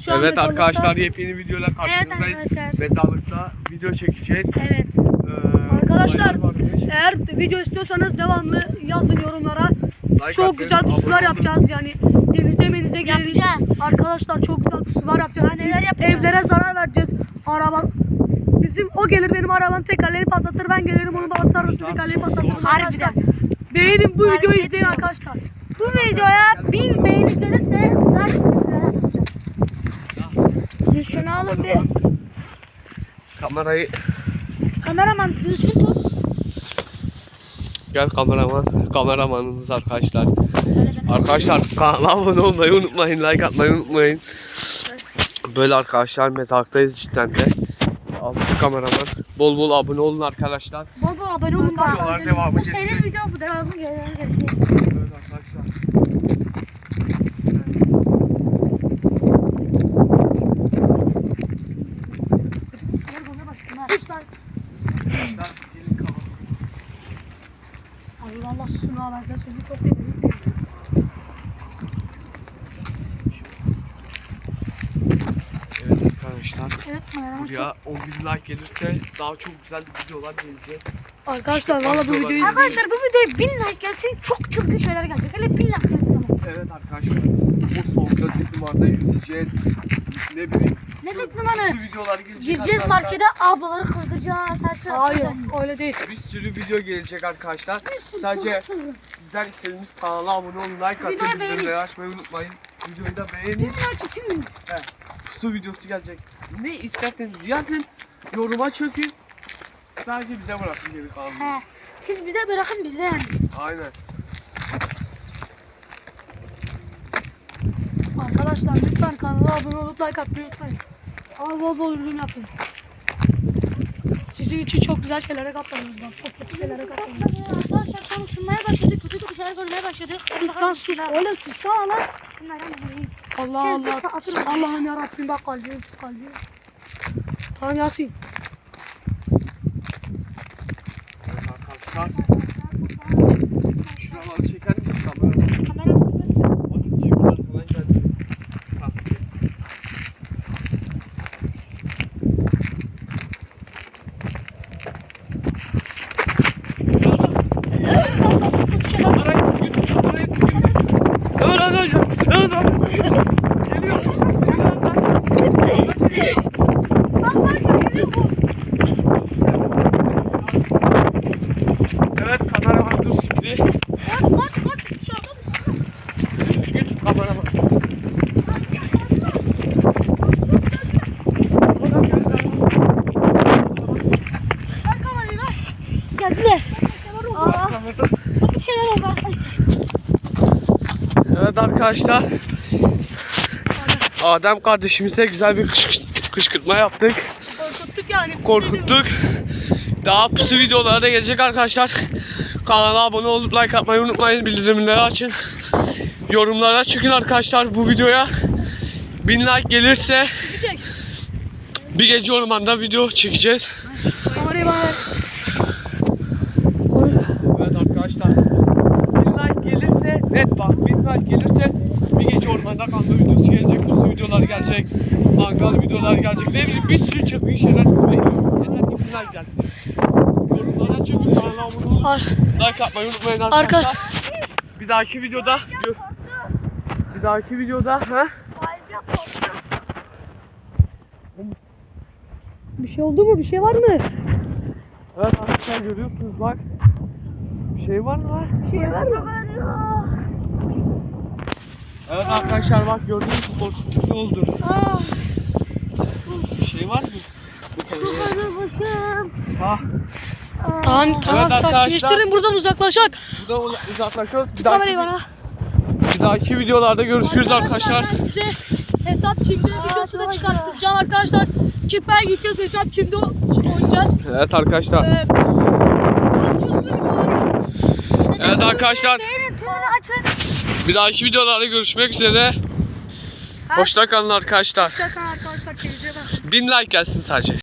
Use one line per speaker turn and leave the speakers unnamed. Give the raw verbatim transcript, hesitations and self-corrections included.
Şu an
Evet
mezarlıkta.
arkadaşlar, yepyeni videoyla
Evet
karşınızdayız.
arkadaşlar.
Mezarlıkta video çekeceğiz.
Evet.
Ee,
Arkadaşlar
olaylar varmış.
eğer video istiyorsanız devamlı yazın yorumlara.
Like
Çok
atın,
güzel
abone
pusular
olun.
yapacağız yani. Denize menize geliriz.
Yapacağız.
Arkadaşlar çok güzel pusular yapacağız.
Daha
Biz
neler yapacağız?
evlere zarar vereceğiz. Araba bizim o gelir benim arabam tekerleri patlatır, ben gelirim onu basarım tekerleri patlatır.
Harbiden.
Arkadaşlar beğenin bu
Harbi
videoyu izleyin
etmiyorum.
arkadaşlar.
Bu videoya bin beğeni gelirse daha çok videolar yapacağım. Siz şunu alın bir.
Kamerayı
Kameraman düzgün tut.
gel kameraman. Kameramanımız arkadaşlar. Arkadaşlar kanala abone olmayı unutmayın. Like atmayı unutmayın. Böyle arkadaşlar mezarlıktayız cidden de. Altı kameraman. Bol bol abone olun arkadaşlar.
Bol bol abone olun.
Videolar devamı
Bu senin
gelecek.
video, bu devamı gelecek.
Evet arkadaşlar.
Allah Allah sunu al, ben seni çok seviyorum.
Evet arkadaşlar.
Evet kameraman.
Buraya on bin like gelirse daha çok güzel videolar gelecek.
Arkadaşlar valla bu videoyu izleyin.
Arkadaşlar bu videoya bin like gelsin, çok çılgın şeyler gelecek. Hele bin like gelsin ama.
Evet arkadaşlar. Bu soğukta dik numarada yüzeceğiz. Ne bileyim.
Ne
su-
dik numara?
Su videoları gelecek.
Gireceğiz
arkadaşlar.
markete, ablaları kızdıracağız, her şey
Hayır
yapacağız.
öyle değil.
Bir sürü video gelecek arkadaşlar. Sadece sizler istediğiniz kanala abone olun, like atın,
Videoyu beğenin.
bildirimleri açmayı unutmayın. Videoyu da beğenin.
Bin like çekin.
He, su videosu gelecek. Ne isterseniz yazın, yoruma çökün. Sadece bize bırakın geri kalanını.
He. Siz bize bırakın bize yani.
Aynen.
Arkadaşlar lütfen kanala abone olup like atmayı unutmayın. Ama bol bol ürün yapın. Sizin için çok güzel şeylere katlanıyoruz. Bak, çok kötü şeylere katlanıyoruz.
Arkadaşlar son ısınmaya başladı, kötü kötü şeyler görmeye başladı.
Sus lan sus. Oğlum sus sana lan. Allah
Gel,
Allah.
dur, atırım.
Allah'ım yarabbim bak kalbim kalbim. Tamam Yasin.
Evet arkadaşlar. Şuraları çeker misin kamera?
Kamera
Bakın Cemil arkadan geldi. Ha. Evet arkadaşlar. Evet arkadaşlar. Geliyor. Evet kameraman dur şimdi.
Kaç kaç kaç dışarıda mısın?
Düzgün tut kameraman.
Ver kamerayı ver.
geldiler. Aa, kötü şeyler oldu arkadaşlar.
Evet arkadaşlar. Adem kardeşimize güzel bir kışkırt- kışkırtma yaptık.
Korkuttuk yani.
Korkuttuk. Daha pusu videoları da gelecek arkadaşlar. Kanala abone olup like atmayı unutmayın. Bildirimleri açın. Yorumlara çıkın arkadaşlar bu videoya. bin like gelirse
Çek.
bir gece ormanda video çekeceğiz.
Kamerayı bana ver.
Evet arkadaşlar. bin like gelirse net bak bin like gelirse bir gece ormanda kanlı videosu gelecek. Pusu videolar gelecek. Mangal videolar gelecek. Ne bileyim bir sürü çılgın şeyler sizi bekliyor. Yeter ki bin like gelsin. Yorumlara çıkın. Kanala abone olup
Ar
like atmayı unutmayın arkadaşlar.
Arka.
Bir dahaki videoda bir dahaki videoda ha?
Bir şey oldu mu? Bir şey var mı?
Evet arkadaşlar görüyorsunuz bak. Bir şey var mı var?
Bir şey var mı?
Evet arkadaşlar bak gördüğünüz gibi korkutucu oldu.
Aa,
Bir şey var mı? Bu kadar.
başım.
Ha.
Tamam tamam
arkadaşlar.
sakinleştirin buradan uzaklaşak.
Burada uzaklaşıyoruz. Bir
Kamerayı
dahaki,
bana.
bir dahaki videolarda görüşürüz arkadaşlar.
Ben size hesap kimde videosu da çıkartacağım arkadaşlar. Kipaya gideceğiz, hesap kimde oynayacağız.
Evet arkadaşlar.
Ee, çok çılgın videolar.
Evet arkadaşlar.
Beğenin, tümünü açın.
Bir dahaki videolarda görüşmek üzere. Hoşça kalın arkadaşlar.
Hoşçakalın arkadaşlar. Kendinize bakın.
bin like gelsin sadece.